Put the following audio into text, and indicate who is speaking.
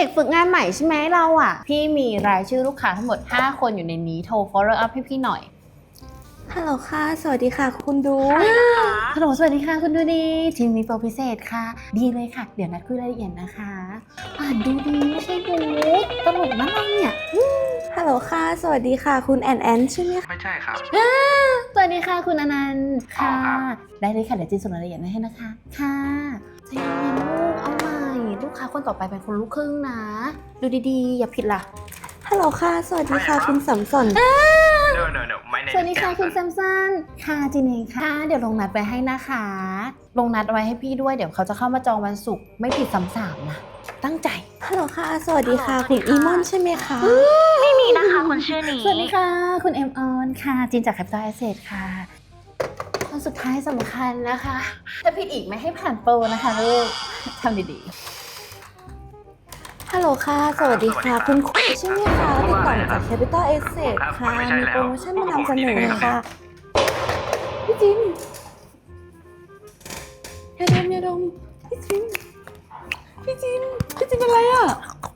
Speaker 1: ด็กฝึกงานใหม่ใช่ไหมเราอ่ะพี่มีรายชื่อลูกค้าทั้งหมด5คนอยู่ในนี้โทร follow up ให้พี่หน่อย
Speaker 2: ฮัลโหลค่ะสวัสดีค่ะคุณดู
Speaker 1: ฮัลโหลสวัสดีค่ะคุณดูดีทีมมีโปรพิเศษค่ะดีเลยค่ะเดี๋ยวนัดคุยรายละเอียดนะคะอ่านดูดีไม่ใช่ดูตลกนะเราเนี่ย
Speaker 2: ฮัลโหลค่ะสวัสดีค่ะคุณแอนใช่ไหมคะ
Speaker 3: ไม่ใช่ครับ
Speaker 1: สวัสดีค่ะคุณอนันต์ค่ะ
Speaker 3: อ๋อครับ
Speaker 1: ได้เลยค่ะเดี๋ยวจีนส่งรายละเอียดมาให้นะคะค่ะใจเย็นๆลูกเอาใหม่ลูกค้าคนต่อไปเป็นคนลูกครึ่งนะดูดีๆอย่าผิดล่ะ
Speaker 2: ฮัลโหลค่ะสวัสดีค่ะคุณสัมสน
Speaker 3: No my name
Speaker 1: สวัสดีค่ะ
Speaker 3: is
Speaker 1: คุณแซ
Speaker 3: Samson
Speaker 1: มสันค่ะจีนเองค่ะเดี๋ยวลงนัดไว้ให้นะคะ ลงนัดไว้ให้พี่ด้วยเดี๋ยวเขาจะเข้ามาจองวันศุกร์ไม่ผิดซ้ำๆนะตั้งใจ
Speaker 2: ฮัลโหลค่ะสวัสดีค่ะคุณอีมอนใช่ไหมคะ
Speaker 4: ไม่มีนะคะคนชื่อนี้
Speaker 1: สวัสดีค่ะคุณเอ็มออนค่ะจีนจาก Capital Asset ค่ะคนสุดท้ายสำคัญนะคะ ถ้าผิดอีกไม่ให้ผ่านโปรนะคะลูกทำดีๆ
Speaker 2: ฮัลโหลค่ะสวัสดีค่ะคุณคุยใช่ไหมคะติดต่อมาจาก Capital Asset ค่ะมีโปรโมชั่นมานำเสนอค่ะพี่จิมอย่าดมพี่จิมเป็นไรอ่ะ